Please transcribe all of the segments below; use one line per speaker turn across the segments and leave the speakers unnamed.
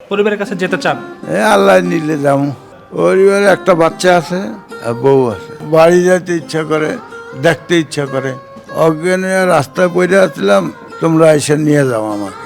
পরিবারের কাছে যেতে চান?
আল্লাহ নিলে যাবো। পরিবারে একটা বাচ্চা আছে আর বউ আছে। বাড়ি যেতে ইচ্ছা করে, দেখতে ইচ্ছা করে। অজ্ঞান হয়ে রাস্তায় পড়ে আসছিলাম, তোমরা এসে নিয়ে যাও আমাকে।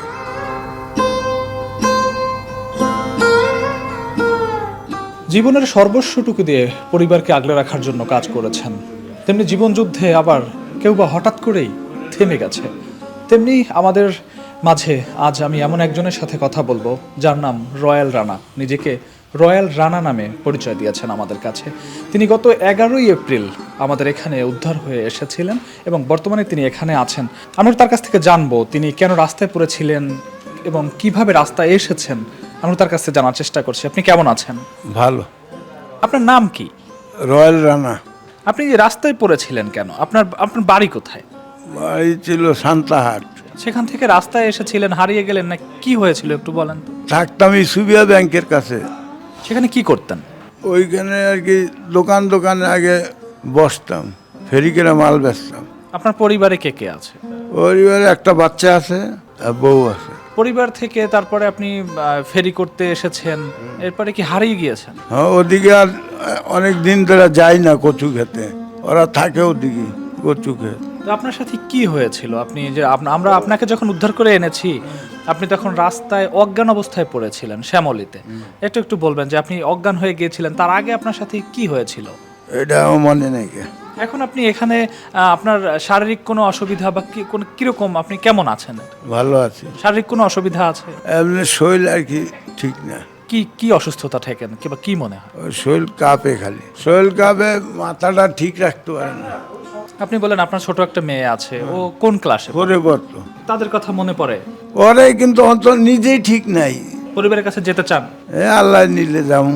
জীবনের সর্বস্বটুকু দিয়ে পরিবারকে আগলে রাখার জন্য কাজ করেছেন, তেমনি জীবনযুদ্ধে আবার কেউ বা হঠাৎ করেই থেমে গেছে। তেমনি আমাদের মাঝে আজ আমি এমন একজনের সাথে কথা বলবো যার নাম রয়্যাল রানা। নিজেকে রয়্যাল রানা নামে পরিচয় দিয়েছেন আমাদের কাছে। তিনি গত 11ই এপ্রিল আমাদের এখানে উদ্ধার হয়ে এসেছিলেন এবং বর্তমানে তিনি এখানে আছেন। আমরা তার কাছ থেকে জানবো তিনি কেন রাস্তায় পড়েছিলেন এবং কিভাবে রাস্তায় এসেছেন। আমরা তার কাছ থেকে জানার চেষ্টা করছি। আপনি কেমন আছেন?
ভালো।
আপনার নাম কি?
রয়্যাল রানা।
আপনি যে রাস্তায় পড়েছিলেন কেন? আপনার আপনার বাড়ি কোথায়?
বাড়ি ছিল সান্তাহাট।
সেখান থেকে রাস্তায় এসেছিলেন, হারিয়ে গেলেন না কি হয়েছিল একটু বলেন তো।
থাকতাম সুবিয়া ব্যাংকের কাছে।
সেখানে কি করতেন?
ওইখানে আর কি দোকানে আগে বসতাম, ফেরি করে মাল বেচতাম।
আপনার পরিবারে কে কে আছে?
পরিবারে একটা বাচ্চা আছে আর বউ আছে।
পরিবার থেকে তারপরে আপনি ফেরি করতে এসেছেন, এরপরে কি হারিয়ে গিয়েছেন?
হ্যাঁ, ওদিকে আর অনেক দিন ধরে যাই না কচু খেতে। ওরা থাকে ওদিকে কচু খেত।
তো আপনার সাথে কি হয়েছিল? আপনি যে আমরা আপনাকে যখন উদ্ধার করে এনেছি, আপনি তখন রাস্তায় অজ্ঞান অবস্থায় পড়েছিলেন শ্যামলীতে। একটু একটু বলবেন যে আপনি অজ্ঞান হয়ে গিয়েছিলেন, তার আগে আপনার সাথে কি হয়েছিল?
এটা আমার মনে নেই।
এখন আপনি এখানে আপনার শারীরিক কোনো অসুবিধা বা কি কোনো কিরকম, আপনি কেমন আছেন?
ভালো আছি।
শারীরিক কোনো অসুবিধা আছে?
এমনি শরীর আর কি ঠিক না।
কি কি অসুস্থতা থাকেন কিংবা কি মনে হয়?
ওই শরীর কাঁপে, খালি শরীর কাঁপে, মাথাটা ঠিক রাখতে পারে না।
আপনি বলেন আপনার ছোট একটা মেয়ে আছে, ও কোন ক্লাসে?
পরে বর্ত
তাদের কথা মনে পড়ে?
ওরে কিন্তু অন্তর নিজেই ঠিক নাই।
পরিবারের কাছে যেতে চান?
আল্লাহ নিলে যাবো।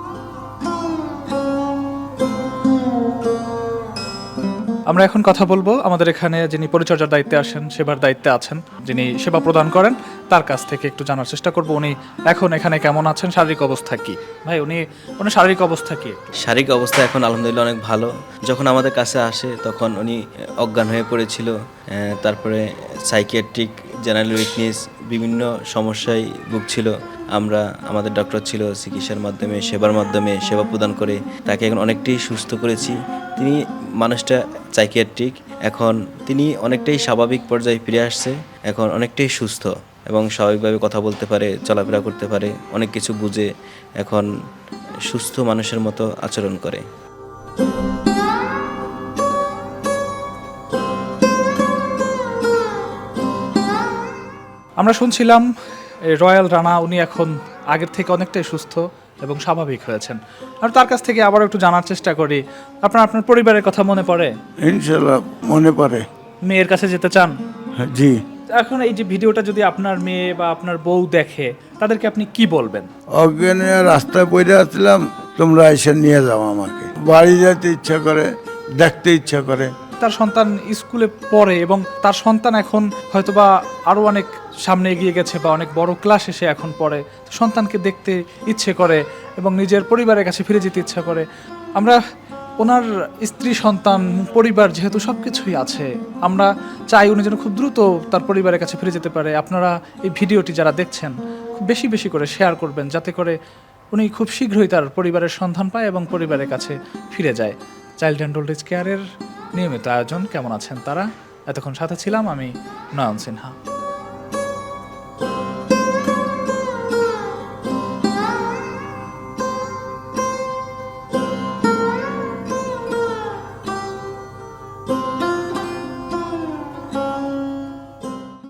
আমরা এখন কথা বলবো আমাদের এখানে যিনি পরিচর্যার দায়িত্বে আসেন, সেবার দায়িত্বে আছেন, যিনি সেবা প্রদান করেন, তার কাছ থেকে একটু জানার চেষ্টা করব উনি এখন এখানে কেমন আছেন, শারীরিক অবস্থা কি। ভাই উনি শারীরিক অবস্থা কি?
শারীরিক অবস্থা এখন আলহামদুলিল্লাহ অনেক ভালো। যখন আমাদের কাছে আসে তখন উনি অজ্ঞান হয়ে পড়েছিল। তারপরে সাইকিয়াট্রিক, জেনারেল উইকনেস, বিভিন্ন সমস্যায় ভুগছিল। আমাদের ডক্টর ছিল, চিকিৎসার মাধ্যমে, সেবার মাধ্যমে সেবা প্রদান করে তাকে এখন অনেকটাই সুস্থ করেছি। তিনি মানুষটা সাইকিয়াট্রিক, এখন তিনি অনেকটাই স্বাভাবিক পর্যায়ে ফিরে আসছে। এখন অনেকটাই সুস্থ এবং স্বাভাবিকভাবে কথা বলতে পারে, চলাফেরা করতে পারে, অনেক কিছু বুঝে এখন সুস্থ মানুষের মতো আচরণ করে।
আমরা শুনছিলাম রয়্যাল রানা উনি এখন আগের থেকে অনেকটাই সুস্থ এবং স্বাভাবিক হয়েছেন। আর তার কাছ থেকে আবার একটু জানার চেষ্টা করি, আপনার পরিবারের কথা মনে পড়ে?
ইনশাল্লাহ মনে পড়ে।
মেয়ের কাছে যেতে চান?
জি।
এখন এই যে ভিডিওটা যদি আপনার মেয়ে বা আপনার বউ দেখে, তাদেরকে আপনি কি বলবেন?
অজ্ঞান হয়ে রাস্তায় পড়ে আসছিলাম, তোমরা এসে নিয়ে যাও আমাকে। বাড়ি যেতে ইচ্ছা করে, দেখতে ইচ্ছা করে।
তার সন্তান স্কুলে পড়ে এবং তার সন্তান এখন হয়তোবা আরও অনেক সামনে এগিয়ে গেছে বা অনেক বড় ক্লাসে সে এখন পড়ে। সন্তানকে দেখতে ইচ্ছে করে এবং নিজের পরিবারের কাছে ফিরে যেতে ইচ্ছা করে। আমরা ওনার স্ত্রী, সন্তান, পরিবার যেহেতু সব কিছুই আছে, আমরা চাই উনি যেন খুব দ্রুত তার পরিবারের কাছে ফিরে যেতে পারে। আপনারা এই ভিডিওটি যারা দেখছেন খুব বেশি বেশি করে শেয়ার করবেন, যাতে করে উনি খুব শীঘ্রই তার পরিবারের সন্ধান পায় এবং পরিবারের কাছে ফিরে যায়। চাইল্ড অ্যান্ড ওল্ড এজ কেয়ারের নিয়মিত আয়োজন কেমন আছেন তারা, এতক্ষণ সাথে ছিলাম আমি নয়ন সিনহা।